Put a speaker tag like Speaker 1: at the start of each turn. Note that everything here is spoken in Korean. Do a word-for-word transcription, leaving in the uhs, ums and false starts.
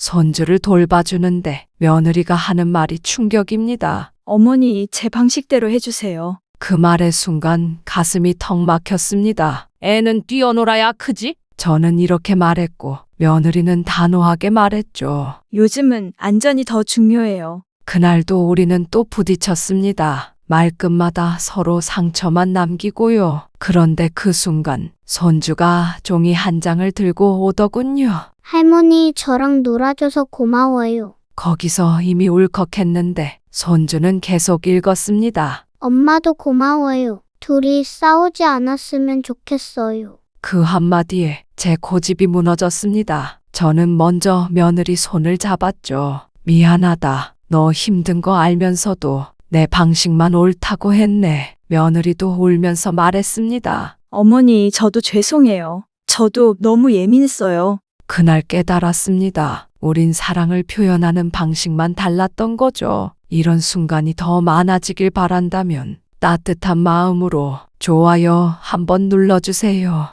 Speaker 1: 손주를 돌봐주는데 며느리가 하는 말이 충격입니다.
Speaker 2: 어머니, 제 방식대로 해주세요.
Speaker 1: 그 말의 순간 가슴이 턱 막혔습니다. 애는 뛰어놀아야 크지? 저는 이렇게 말했고 며느리는 단호하게 말했죠.
Speaker 2: 요즘은 안전이 더 중요해요.
Speaker 1: 그날도 우리는 또 부딪혔습니다. 말끝마다 서로 상처만 남기고요. 그런데 그 순간 손주가 종이 한 장을 들고 오더군요.
Speaker 3: 할머니, 저랑 놀아줘서 고마워요.
Speaker 1: 거기서 이미 울컥했는데 손주는 계속 읽었습니다.
Speaker 3: 엄마도 고마워요. 둘이 싸우지 않았으면 좋겠어요.
Speaker 1: 그 한마디에 제 고집이 무너졌습니다. 저는 먼저 며느리 손을 잡았죠. 미안하다. 너 힘든 거 알면서도 내 방식만 옳다고 했네. 며느리도 울면서 말했습니다.
Speaker 2: 어머니, 저도 죄송해요. 저도 너무 예민했어요.
Speaker 1: 그날 깨달았습니다. 우린 사랑을 표현하는 방식만 달랐던 거죠. 이런 순간이 더 많아지길 바란다면 따뜻한 마음으로 좋아요 한번 눌러주세요.